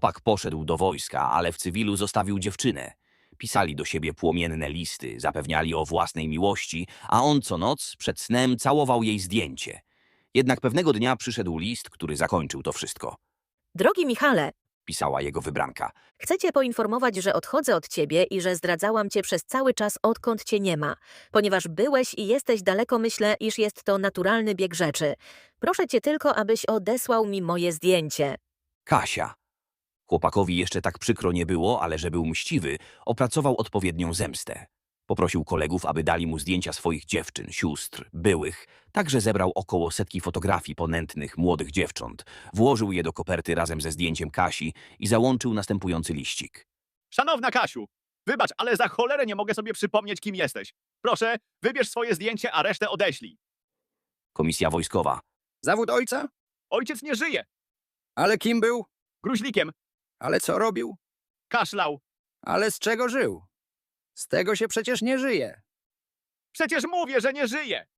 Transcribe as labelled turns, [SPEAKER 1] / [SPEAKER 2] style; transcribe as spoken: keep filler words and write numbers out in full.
[SPEAKER 1] Chłopak poszedł do wojska, ale w cywilu zostawił dziewczynę. Pisali do siebie płomienne listy, zapewniali o własnej miłości, a on co noc przed snem całował jej zdjęcie. Jednak pewnego dnia przyszedł list, który zakończył to wszystko.
[SPEAKER 2] Drogi Michale,
[SPEAKER 1] Pisała jego wybranka.
[SPEAKER 2] chcę cię poinformować, że odchodzę od ciebie i że zdradzałam cię przez cały czas, odkąd cię nie ma. Ponieważ byłeś i jesteś daleko, myślę, iż jest to naturalny bieg rzeczy. Proszę cię tylko, abyś odesłał mi moje zdjęcie.
[SPEAKER 1] Kasia. Chłopakowi jeszcze tak przykro nie było, ale że był mściwy, opracował odpowiednią zemstę. Poprosił kolegów, aby dali mu zdjęcia swoich dziewczyn, sióstr, byłych. Także zebrał około setki fotografii ponętnych, młodych dziewcząt. Włożył je do koperty razem ze zdjęciem Kasi i załączył następujący liścik.
[SPEAKER 3] Szanowna Kasiu, wybacz, ale za cholerę nie mogę sobie przypomnieć, kim jesteś. Proszę, wybierz swoje zdjęcie, a resztę odeślij.
[SPEAKER 1] Komisja wojskowa.
[SPEAKER 4] Zawód ojca?
[SPEAKER 3] Ojciec nie żyje.
[SPEAKER 4] Ale kim był?
[SPEAKER 3] Gruźlikiem.
[SPEAKER 4] Ale co robił?
[SPEAKER 3] Kaszlał.
[SPEAKER 4] Ale z czego żył? Z tego się przecież nie żyje.
[SPEAKER 3] Przecież mówię, że nie żyje.